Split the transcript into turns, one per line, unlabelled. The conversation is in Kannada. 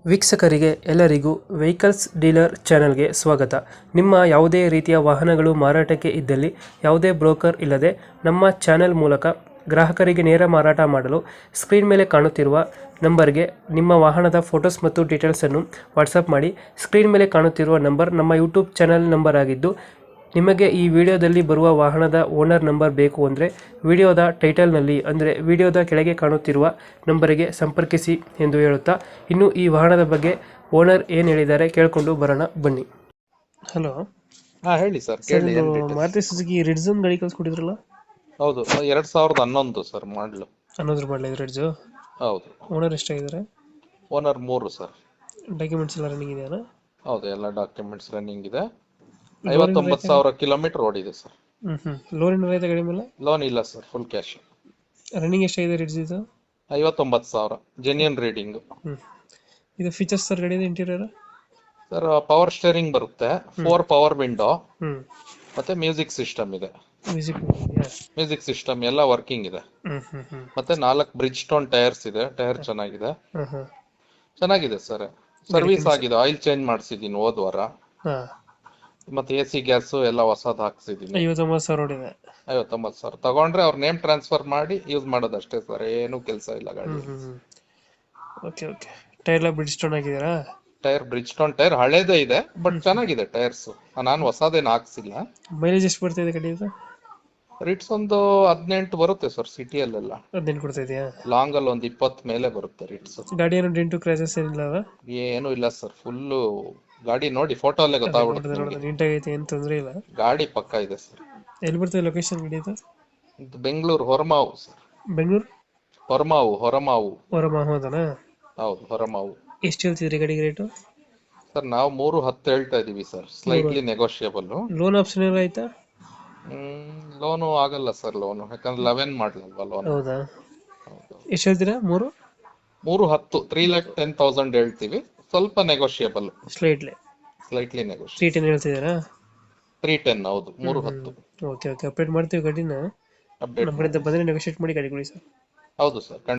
ವೀಕ್ಷಕರಿಗೆ ಎಲ್ಲರಿಗೂ ವೆಹಿಕಲ್ಸ್ ಡೀಲರ್ ಚಾನೆಲ್ಗೆ ಸ್ವಾಗತ. ನಿಮ್ಮ ಯಾವುದೇ ರೀತಿಯ ವಾಹನಗಳು ಮಾರಾಟಕ್ಕೆ ಇದ್ದಲ್ಲಿ ಯಾವುದೇ ಬ್ರೋಕರ್ ಇಲ್ಲದೆ ನಮ್ಮ ಚಾನೆಲ್ ಮೂಲಕ ಗ್ರಾಹಕರಿಗೆ ನೇರ ಮಾರಾಟ ಮಾಡಲು ಸ್ಕ್ರೀನ್ ಮೇಲೆ ಕಾಣುತ್ತಿರುವ ನಂಬರ್ಗೆ ನಿಮ್ಮ ವಾಹನದ ಫೋಟೋಸ್ ಮತ್ತು ಡೀಟೇಲ್ಸನ್ನು ವಾಟ್ಸಪ್ ಮಾಡಿ. ಸ್ಕ್ರೀನ್ ಮೇಲೆ ಕಾಣುತ್ತಿರುವ ನಂಬರ್ ನಮ್ಮ ಯೂಟ್ಯೂಬ್ ಚಾನೆಲ್ ನಂಬರ್ ಆಗಿದ್ದು, ನಿಮಗೆ ಈ ವಿಡಿಯೋದಲ್ಲಿ ಬರುವ ವಾಹನದ ಓನರ್ ನಂಬರ್ ಬೇಕು ಅಂದರೆ ವಿಡಿಯೋದ ಟೈಟಲ್ನಲ್ಲಿ ಅಂದರೆ ವಿಡಿಯೋದ ಕೆಳಗೆ ಕಾಣುತ್ತಿರುವ ನಂಬರಿಗೆ ಸಂಪರ್ಕಿಸಿ ಎಂದು ಹೇಳುತ್ತಾ, ಇನ್ನು ಈ ವಾಹನದ ಬಗ್ಗೆ ಓನರ್ ಏನು ಹೇಳಿದ್ದಾರೆ ಕೇಳಿಕೊಂಡು ಬರೋಣ ಬನ್ನಿ. ಹಲೋ
ಹಾ ಹೇಳಿ ಸರ್.
ಸರ್,
ಕೇಳಿ
ಇದು ಮಾರುತಿ ಸುಜುಕಿ ರಿಡ್ಝನ್ ಗಾಡಿ ಕಳ್ಸ್ಕೊಟ್ಟಿದ್ರಲ್ಲ?
ಹೌದು, 2011 ಸರ್ ಮಾಡ್ಲು.
11 ಮಾಡಲ ಇದು ರಿಡ್ಜು.
ಹೌದು.
ಓನರ್ ಎಷ್ಟಾಗಿದ್ದಾರೆ?
Owner 3 sir.
ಡಾಕ್ಯುಮೆಂಟ್ಸ್ ಎಲ್ಲ ರನ್ನಿಂಗ್ ಇದೆಯಾ?
ಹೌದು, ಎಲ್ಲ ಡಾಕ್ಯುಮೆಂಟ್ಸ್ ರನ್ನಿಂಗ್ ಇದೆ. 59,000 ಕಿಲೋಮೀಟರ್ ಓಡಿದೆ ಸರ್.
ಲೋನ್ ಏನಾರ ಐತೆ ಗಾಡಿ ಮೇಲೆ?
ಲೋನ್ ಇಲ್ಲ ಸರ್, ಫುಲ್ ಕ್ಯಾಶ್.
ರನ್ನಿಂಗ್ ಎಷ್ಟಾಗಿದೆ ರಿಡ್ಜ್ ಇದು?
59,000 ಜೆನ್ಯೂನ್ ರೀಡಿಂಗ್.
ಇದು ಫೀಚರ್ಸ್ ಸರ್ ಗಾಡಿದು ಇಂಟೀರಿಯರ್?
ಸರ್, ಪವರ್ ಸ್ಟೇರಿಂಗ್ ಬರುತ್ತೆ, 4 ಪವರ್ ವಿಂಡೋ ಮತ್ತೆ ಮ್ಯೂಸಿಕ್ ಸಿಸ್ಟಮ್ ಇದೆ. ಮ್ಯೂಸಿಕ್ ಸಿಸ್ಟಮ್ ಎಲ್ಲ ವರ್ಕಿಂಗ್ ಇದೆ. ಮತ್ತೆ 4 ಬ್ರಿಡ್ಜ್ ಸ್ಟೋನ್ ಟೈರ್ಸ್ ಇದೆ. ಟೈರ್ ಚೆನ್ನಾಗಿದೆ. ಚೆನ್ನಾಗಿದೆ ಸರ್. ಸರ್ವಿಸ್ ಆಗಿದೆ, ಆಯಿಲ್ ಚೇಂಜ್ ಮಾಡಿಸಿದೀನಿ ಹೋದ ವಾರ. ಮತ್ತೆ AC ಗ್ಯಾಸ್ ಎಲ್ಲ ಹೊಸದ್ ಹಾಕ್ಸಿದೀನಿ.
59,000 ಓಡಿದೆ.
59,000 ತಗೊಂಡ್ರೆ ಅವ್ರ ನೇಮ್ ಟ್ರಾನ್ಸ್ಫರ್ ಮಾಡಿ ಯೂಸ್ ಮಾಡೋದಷ್ಟೇ ಸರ್, ಏನು ಕೆಲಸ ಇಲ್ಲ ಗಾಡಿ.
Okay okay. ಟೈರ್ ಎಲ್ಲ ಬ್ರಿಡ್ಜ್ ಸ್ಟೋನ್ ಹಾಕಿದ್ದೀರಾ?
ಟೈರ್ ಬ್ರಿಡ್ಜ್ ಸ್ಟೋನ್ ಟೈರ್ ಹಳೇದೇ ಇದೆ, ಬಟ್ ಚೆನ್ನಾಗಿದೆ ಟೈರ್ಸ್. ನಾನು ಹೊಸದೇನು ಹಾಕ್ಸಿಲ್ಲ.
ಮೈಲೇಜ್ ಎಷ್ಟು ಬರ್ತಾ ಇದೆ ಗಾಡಿ ಇದು?
ರಿಟ್ಸ್ ಒಂದು 18 ಬರುತ್ತೆ ಸರ್ ಸಿಟಿಯಲ್ಲೆಲ್ಲ.
18 ಕೊಡ್ತಾ ಇದೆಯಾ?
ಲಾಂಗ್ ಅಲ್ಲಿ ಒಂದು 20 ಮೇಲೆ ಬರುತ್ತೆ ರಿಟ್ಸ್.
ಗಾಡಿ ಏನು ಡೆಂಟು ಕ್ರ್ಯಾಚಸ್ ಏನಿಲ್ಲ ಅಲ್ಲ?
ಏನು ಇಲ್ಲ ಸರ್, ಫುಲ್ ಗಾಡಿ ನೋಡಿ ಫೋಟೋ ಅಲ್ಲೇ ಗೊತ್ತಾಗ್ಬಿಡುತ್ತೆ.
ನೀಟಾಗೈತೆ, ಏನು ತೊಂದರೆ ಇಲ್ಲ.
ಗಾಡಿ ಪಕ್ಕ ಇದೆ ಸರ್.
ಎಲ್ಲಿ ಬರ್ತದೆ ಲೊಕೇಶನ್ ಗಾಡಿ ಇದು?
ಬೆಂಗಳೂರು ಹೊರಮಾವು ಸರ್.
ಬೆಂಗಳೂರು
ಹೊರಮಾವು.
ಹೊರಮಾವುದನಾ?
ಹೌದು, ಹೊರಮಾವು.
ಎಷ್ಟು ಹೇಳ್ತಿದ್ರಿ ಗಾಡಿಗೆ ರೇಟು?
ಸರ್, ನಾವು 310 ಹೇಳ್ತಾ ಇದೀವಿ sir, slightly negotiable.
Loan option ಎಲ್ಲ ಆಯ್ತಾ?
ಲೋನು ಆಗಲ್ಲ ಸರ್, ಲೋನು ಯಾಕಂದ್ರೆ 11 ಮಾಡ್ಲಲ್ವಾ ಲೋನ್.
ಹೌದಾ? ಎಷ್ಟು ಹೇಳ್ತೀರಾ?
310 3,10,000 ಹೇಳ್ತೀವಿ, ಸ್ವಲ್ಪ ನೆಗೋಷಿಯಬಲ್.
Slightly
negotiable.
310 ಹೇಳ್ತಿದ್ದೀರಾ?
310. ಹೌದು, 310.
ಓಕೆ ಓಕೆ, ಅಪ್ಡೇಟ್ ಮಾಡ್ತೀವಿ ಗಾಡಿನ.
ಅಪ್ಡೇಟ್
ನಮ್ಮ ಕಡೆಯಿಂದ ಬಂದರೆ ನೆಗೋಷಿಯೇಟ್ ಮಾಡಿ ಗಾಡಿ ಕೊಡಿ ಸರ್.
ಹೌದು ಸರ್.